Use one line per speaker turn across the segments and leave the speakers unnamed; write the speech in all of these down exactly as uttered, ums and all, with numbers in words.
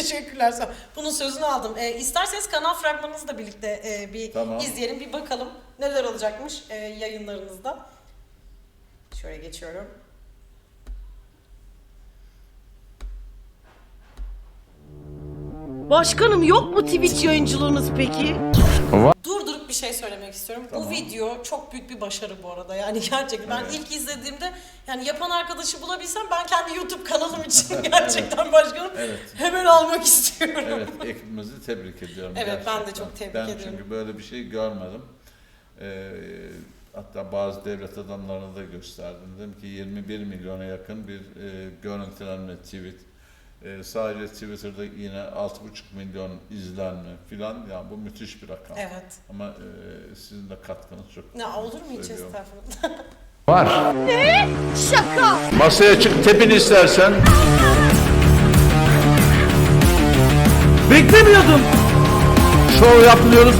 Teşekkürler. Sağ ol. Bunun sözünü aldım. E, isterseniz kanal fragmanınızı da birlikte e, bir
tamam.
izleyelim, bir bakalım neler olacakmış e, yayınlarınızda. Şöyle geçiyorum.
Başkanım yok mu Twitch yayıncılığınız peki?
Durdurup bir şey söylemek istiyorum.
Tamam.
Bu video çok büyük bir başarı bu arada. Yani gerçekten ben
Evet.
ilk izlediğimde yani yapan arkadaşı bulabilsem ben kendi YouTube kanalım için gerçekten başkanım
Evet.
hemen almak istiyorum.
Evet, ekibimizi tebrik ediyorum.
Evet, ben de
gerçekten.
çok tebrik
ben
ediyorum.
çünkü böyle bir şey görmedim. Ee, hatta bazı devlet adamlarına da gösterdim. Dedim ki yirmi bir milyona yakın bir e, görüntülenme tweet. Ee, sadece Twitter'da yine altı buçuk milyon izlenme filan, yani bu müthiş bir rakam.
Evet.
Ama e, sizin de katkınız çok.
Ne olur mu hiç
söylüyorum.
estağfurullah.
Var.
Ne? Şaka.
Masaya çık, tepin istersen.
Beklemiyordum.
Şov yapmıyoruz.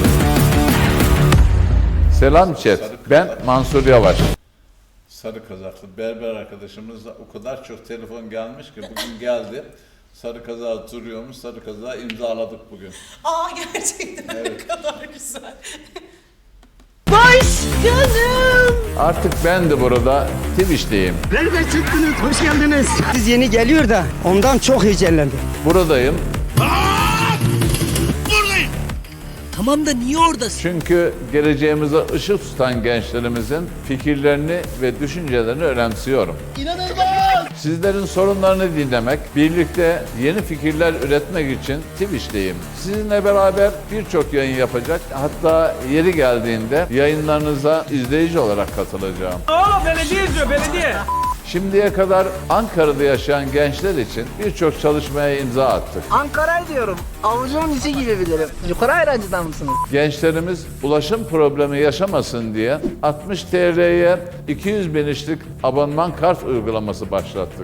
Selam chat. Ben Mansur Yavaş.
Sarı kazaklı berber arkadaşımızla o kadar çok telefon gelmiş ki bugün geldi. Sarı kazağı duruyormuş, sarı kazağı imzaladık bugün.
Aa gerçekten
Evet.
ne kadar güzel.
Başkanım.
Artık ben de burada Twitch'teyim.
Nereden çıktınız? Hoş geldiniz. Siz yeni geliyor da ondan çok heyecanlandım.
Buradayım
Tamam da niye oradasın?
çünkü geleceğimize ışık tutan gençlerimizin fikirlerini ve düşüncelerini önemsiyorum. Sizlerin sorunlarını dinlemek, birlikte yeni fikirler üretmek için Twitch'teyim. Sizinle beraber birçok yayın yapacak, hatta yeri geldiğinde yayınlarınıza izleyici olarak katılacağım.
Oğlum belediye izliyor, belediye.
Şimdiye kadar Ankara'da yaşayan gençler için birçok çalışmaya imza attık.
Ankara'yı diyorum. Avucumun içi gibi bilirim. Yukarı ayrancıdan mısınız?
Gençlerimiz ulaşım problemi yaşamasın diye altmış T L'ye iki yüz binişlik abonman kart uygulaması başlattık.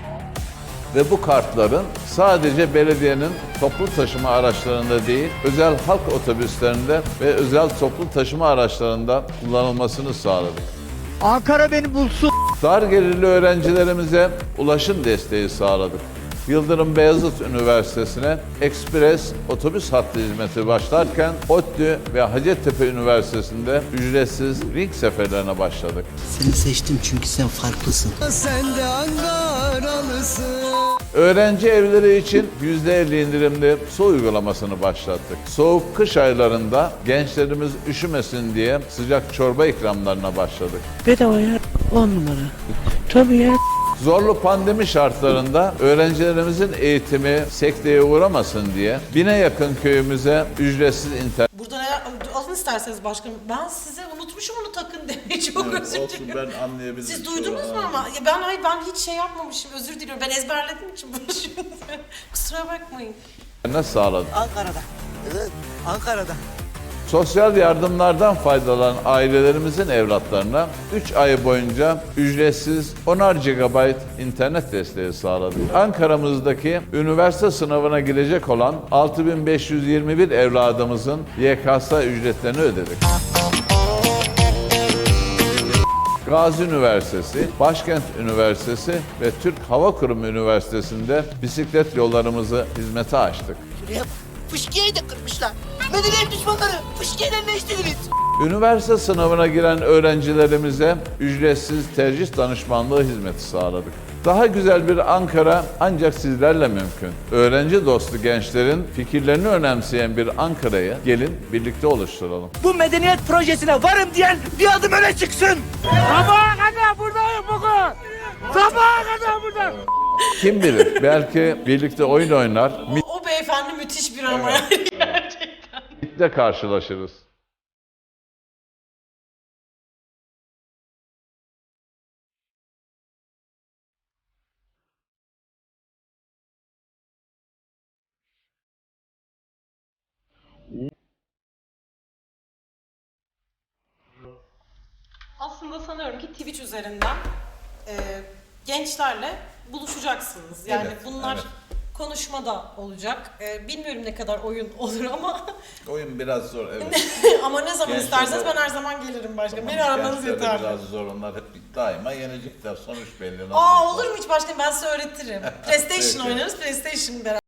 Ve bu kartların sadece belediyenin toplu taşıma araçlarında değil, özel halk otobüslerinde ve özel toplu taşıma araçlarında kullanılmasını sağladık.
Ankara beni bulsun.
Dar gelirli öğrencilerimize ulaşım desteği sağladık. Yıldırım Beyazıt Üniversitesi'ne ekspres otobüs hattı hizmeti başlarken ODTÜ ve Hacettepe Üniversitesi'nde ücretsiz ring seferlerine başladık.
Seni seçtim çünkü sen farklısın. Sen de Ankaralısın.
Öğrenci evleri için yüzde elli indirimli su uygulamasını başlattık. Soğuk kış aylarında gençlerimiz üşümesin diye sıcak çorba ikramlarına başladık.
Bedava ya, on numara. Tabii ya.
Zorlu pandemi şartlarında öğrencilerimizin eğitimi sekteye uğramasın diye bine yakın köyümüze ücretsiz internet
Burada ne, alın isterseniz başkanım. Ben size unutmuşum onu takın demeyi, çok
Evet,
özür
olsun,
diliyorum.
ben anlayabilirim.
Siz duydunuz mu ama? Ya ben hayır ben hiç şey yapmamışım, özür diliyorum. Ben ezberlediğim için bunu şimdi. Kusura bakmayın.
sağladık.
Ankara'da. Evet, Ankara'da.
Sosyal yardımlardan faydalanan ailelerimizin evlatlarına üç ay boyunca ücretsiz onar gigabayt internet desteği sağladık. Ankara'mızdaki üniversite sınavına girecek olan altı bin beş yüz yirmi bir evladımızın Y K S ücretlerini ödedik. Gazi Üniversitesi, Başkent Üniversitesi ve Türk Hava Kurumu Üniversitesi'nde bisiklet yollarımızı hizmete açtık.
Şuraya fışkiyeyi de kırmışlar. Medeniyet düşmanları. Fışkiyeyle ne istediniz?
Üniversite sınavına giren öğrencilerimize ücretsiz tercih danışmanlığı hizmeti sağladık. Daha güzel bir Ankara ancak sizlerle mümkün. Öğrenci dostu gençlerin fikirlerini önemseyen bir Ankara'yı gelin birlikte oluşturalım.
Bu medeniyet projesine varım diyen bir adım öne çıksın.
Sabaha kadar buradayım bugün. Sabaha kadar burada.
Kim bilir belki birlikte oyun oynar,
O, o beyefendi müthiş bir ama yani gerçekten.
MİT'le karşılaşırız.
Aslında sanıyorum ki Twitch üzerinden e, gençlerle buluşacaksınız. Yani
Evet,
bunlar
evet.
konuşma da olacak. E, bilmiyorum ne kadar oyun olur ama
Oyun biraz zor, evet.
ama ne zaman
Gençler
isterseniz
de-
ben her zaman gelirim başkanım. Beni
Tamam,
aramanız
gençler de
yeterli.
biraz zor, onlar hep daima yenecekler, sonuç belli. Nasıl
Aa
olsa.
olur mu hiç başkanım, ben size öğretirim. PlayStation
Peki.
oynarız, PlayStation beraber.